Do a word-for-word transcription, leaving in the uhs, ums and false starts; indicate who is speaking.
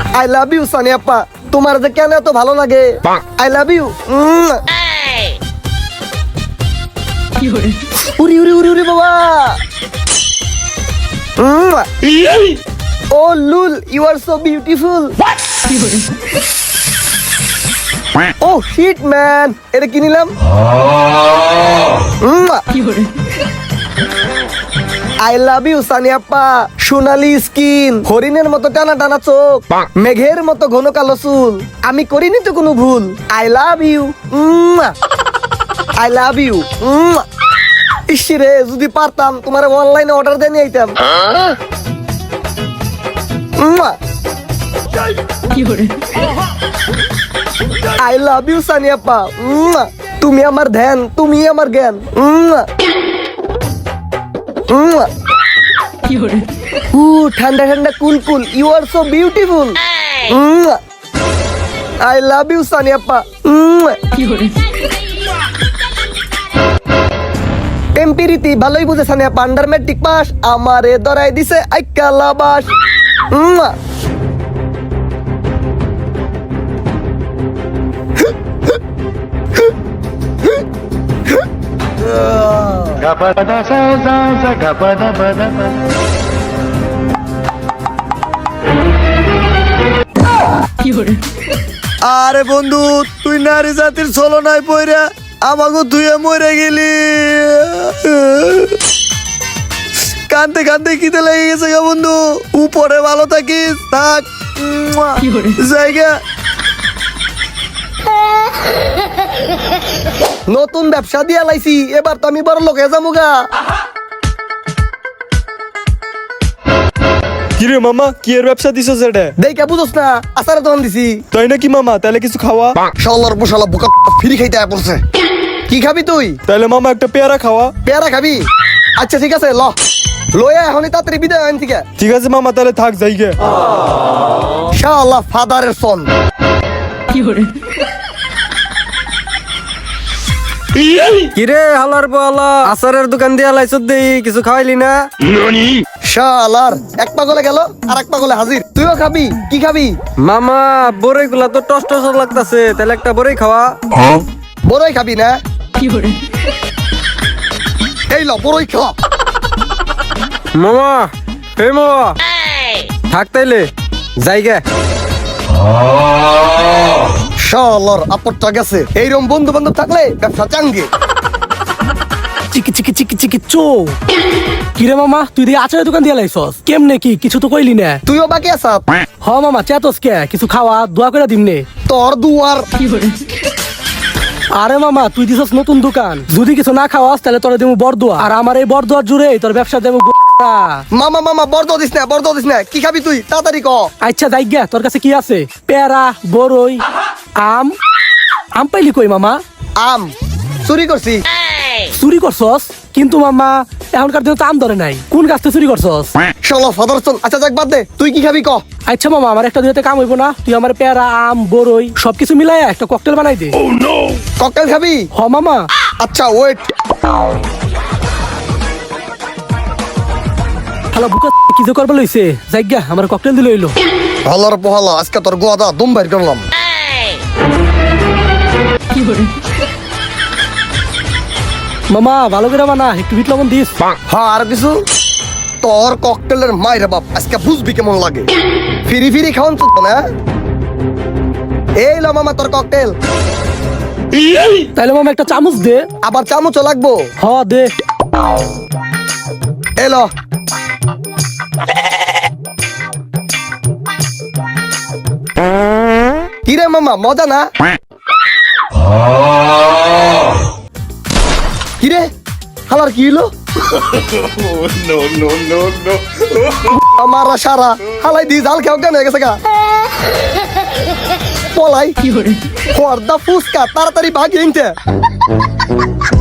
Speaker 1: I love you Sunny আপা, তোমার যে কেন এত ভালো লাগে। I love you. উরি উরি উরি উরি বাবা। ও লুল, you are so beautiful. Oh shit man, এটা কি নিলাম? আই লাভ ইউ সানি আপা, সোনালি স্কিন, হরিণের মতো টানা টানা চোখ, মেঘের মতো ঘন কালো চুল, আমি করিনি তো কোনো ভুল। I love you, I love you. ইসরে, যদি পারতাম তোমার অনলাইনে অর্ডার দিয়ে নিয়ে আইতাম। আই লাভ ইউ সানি আপা, তুমি আমার ধ্যান, তুমি আমার জ্ঞান। উ ঠান্ডা ঠান্ডা cool cool, you are so beautiful. I love you Sunny আপা। টেম্পিরিতি ভালোই বুঝে সানি আপা, আন্ডার ম্যাট্রিক পাস, আমারে ধরাই দিছে আইকালা বাস। আরে বন্ধু, তুই নারী জাতির ছলনায় পইরা আমাকে ধুয়ে মরে গেলি। কান্দতে কান্দতে খিদে লেগে গেছে গা বন্ধু। উপরে ভালো থাকিস, থাক জায়গা। নতুন ব্যবসা দিয়া লাইছি, এবার তো আমি বড় লোক হয়ে যাবো গা।
Speaker 2: কিরে মামা, কি এর ব্যবসা দিছো সেটা?
Speaker 1: দেখে বুঝোস না, আচারের দোকান দিছি।
Speaker 2: তাই নাকি মামা? তাহলে কিছু খাওয়া।
Speaker 1: শালার বসালা বোকা ফ্রি খাইতে আয় পড়ছে। কি খাবি তুই?
Speaker 2: তাহলে মামা একটা পেয়ারা খাওয়া।
Speaker 1: পেয়ারা খাবি? আচ্ছা ঠিক আছে, ল লয়া এখনই তাড়াতাড়ি বিদায় হন থেকে।
Speaker 2: ঠিক আছে মামা, তাহলে থাক যাইগে।
Speaker 1: শালা ফাদারের সন।
Speaker 3: কিরে হালার বলা, আচারের দোকান দিয়া লাইছত দেই, কিছু খাওয়াইলি না?
Speaker 1: শালার এক পাগলে গেল আর এক পাগলে হাজির। তুইও খাবি? কি খাবি?
Speaker 3: মামা বড়ই গুলা তো টস টস লাগতাছে, তাহলে একটা বড়ই খাওয়া।
Speaker 1: বড়ই খাবি না? এই ল বড়ই খা।
Speaker 3: মামা হে মামা, থাক তাইলে যাইগে।
Speaker 1: শালার আপরটা গেছে। এইরকম বন্ধু বান্ধব থাকলে ব্যবসা চাঙ্গে।
Speaker 4: চিকি চিকি চিকি চিকি চো। কিরে মামা, তুই দিয়ে আচারের দোকান দিয়ে লাইছস কেমনে? কি কিছু তো কইলি না।
Speaker 1: তুইও বাকি আসাত?
Speaker 4: হ মামা, চেতস কে? কিছু খাওয়া দোয়া করে দিমনে।
Speaker 1: তোর দুয়ার।
Speaker 4: আরে মামা, তুই দিছস নতুন দোকান, যদি কিছু না খাওয়াস তাহলে তোর দেবো বরদোয়া, আর আমার এই বরদোয়ার জুড়ে তোর ব্যবসা দেবো।
Speaker 1: মামা মামা বর্দ দিস না, বর্দ দিস না। কি খাবি তুই? তাড়াতাড়ি ক।
Speaker 4: আচ্ছা যাইগা, তোর কাছে কি আছে? পেয়ারা, বরই, আম। আম পাইলি কই মামা?
Speaker 1: আম চুরি করছি।
Speaker 4: চুরি করছস? কিন্তু মামা এখনকার দিনে তো আম ধরে নাই, কোন গাছ থেকে চুরি করছস?
Speaker 1: শালা ফাদার সন। আচ্ছা যাক বাদ দে, তুই কি খাবি ক।
Speaker 4: আচ্ছা মামা, আমার একটা দুইতে কাম হইব না? তুই আমার পেয়ারা, আম, বরই সবকিছু মিলাই একটা ককটেল বানাই দে।
Speaker 1: ককটেল খাবি?
Speaker 4: হ মামা।
Speaker 1: আচ্ছা ওয়েট।
Speaker 4: হালা বুকা কি যে করবে লইছে, যাইগা আমার ককটেল দিল হইলো।
Speaker 1: ভালোর পোহালা, আজকে তোর গোয়াদা দম বাইর করলাম।
Speaker 4: মামা ভালো করে বানা, একটু বিট লবণ দিস।
Speaker 1: হ্যাঁ আর কিছু? তোর ককটেলের মাইরে বাপ, আজকে বুঝবি কেমন লাগে। ফিরি ফিরি খাওয়ান তো না। এই লো মামা তোর ককটেল।
Speaker 4: তাইলে মামা একটা চামচ দে।
Speaker 1: আবার চামচও লাগবো?
Speaker 4: হ দে।
Speaker 1: এলো। কিরে মামা মজা না? কিরে হালার কি হলো? আমার সারা হালাই দি জাল খেয়ে অজ্ঞান হয়ে গেছে গা। পলাই কি হরে? ফুসকা তাড়াতাড়ি ভাগি।